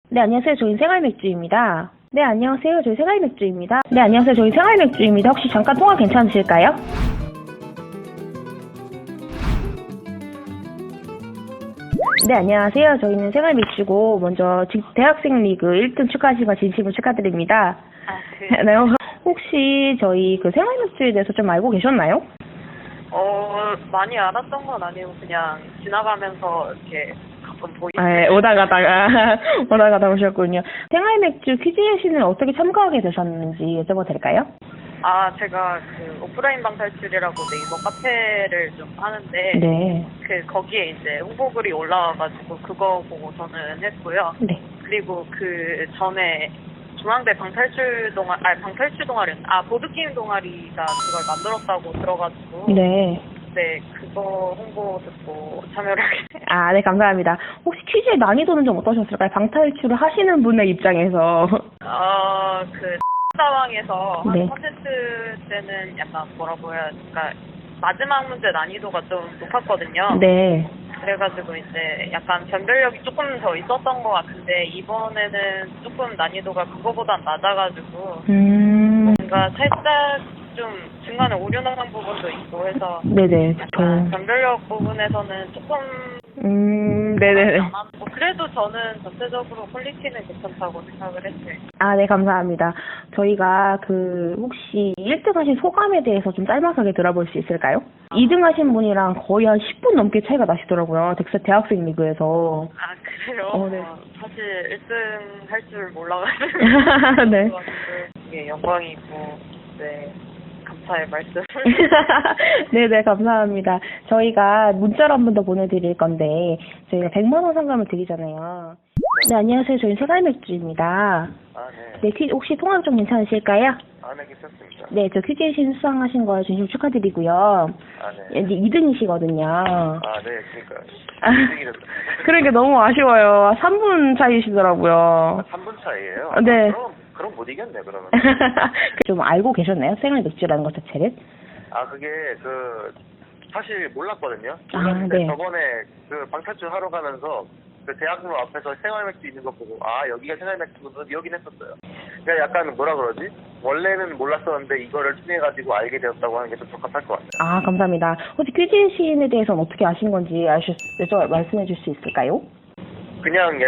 네, 안녕하세요. 저희 생활맥주입니다. 네, 안녕하세요. 저희 생활맥주입니다. 네, 안녕하세요. 저희 생활맥주입니다. 혹시 잠깐 통화 괜찮으실까요? 네, 안녕하세요. 저희는 생활맥주고 먼저 대학생 리그 1등 축하하신 거 진심으로 축하드립니다. 네, 혹시 저희 그 생활맥주에 대해서 좀 알고 계셨나요? 많이 알았던 건 아니고 그냥 지나가면서 이렇게 가끔 보이고. 네, 오다가다 오셨군요. 생활맥주 퀴즈예신을 어떻게 참가하게 되셨는지 여쭤봐도 될까요? 제가 그 오프라인 방탈출이라고 네이버 카페를 좀 하는데 네. 거기에 이제 홍보글이 올라와가지고 그거 보고 저는 했고요. 네. 그리고 그 전에 중앙대 방탈출 동아리, 보드게임 동아리가 그걸 만들었다고 들어가지고. 네. 네, 그거 홍보 듣고 참여를 하게 됐어요. 네, 감사합니다. 혹시 퀴즈의 난이도는 좀 어떠셨을까요? 방탈출을 하시는 분의 입장에서. 그 상황에서 네. 한 컨텐츠 때는 약간 뭐라고 해야 될까, 마지막 문제 난이도가 좀 높았거든요. 네. 그래가지고 이제 약간 변별력이 조금 더 있었던 것 같은데 이번에는 조금 난이도가 그거보단 낮아가지고 뭔가 살짝 좀 중간에 오류 나는 부분도 있고 해서 네네. 약간 변별력 부분에서는 조금 네네. 그래도 저는 전체적으로 퀄리티는 괜찮다고 생각을 했어요. 네, 감사합니다. 저희가 혹시 1등 하신 소감에 대해서 좀 짤막하게 들어볼 수 있을까요? 2등 하신 분이랑 거의 한 10분 넘게 차이가 나시더라고요. 대학생 리그에서. 그래요? 네. 사실 1등 할 줄 몰라가지고. 네. 이게 영광이고, 네. 감사의 말씀. 네네, 감사합니다. 저희가 문자로 한 번 더 보내드릴 건데, 저희가 100만 원 상금을 드리잖아요. 네, 안녕하세요. 저희 생활맥주입니다. 네. 네, 혹시 통화 좀 괜찮으실까요? 네, 괜찮습니다. 네, 저 퀴즈예신 수상하신 거 진심 축하드리고요. 네. 이제 2등이시거든요. 네, 그러니까. 그러니까 너무 아쉬워요. 3분 차이시더라고요. 3분 차이에요? 네. 그럼 못 이겼네, 그러면. 좀 알고 계셨나요? 생활맥주라는 것 자체를? 그게, 사실 몰랐거든요. 네. 저번에 방탈출 하러 가면서 대학로 앞에서 생활맥주 있는 거 보고, 여기가 생활맥주구나, 여긴 했었어요. 그러니까 약간 뭐라 그러지? 원래는 몰랐었는데 이거를 통해가지고 알게 되었다고 하는 게 좀 적합할 것 같아요. 감사합니다. 혹시 퀴즈예신에 대해서는 어떻게 아신 건지 말씀해 줄 수 있을까요? 그냥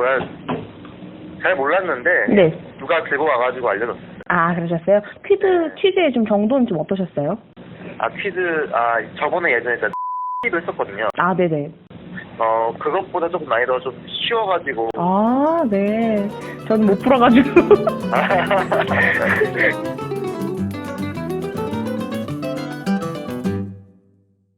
잘 몰랐는데, 네. 누가 들고 와가지고 알려줬어요. 그러셨어요? 퀴즈의 좀 정도는 좀 어떠셨어요? 퀴즈, 저번에 예전에 를 했었거든요. 네네. 그것보다 조금 난이도가 좀 쉬워가지고. 네. 저는 못 풀어가지고.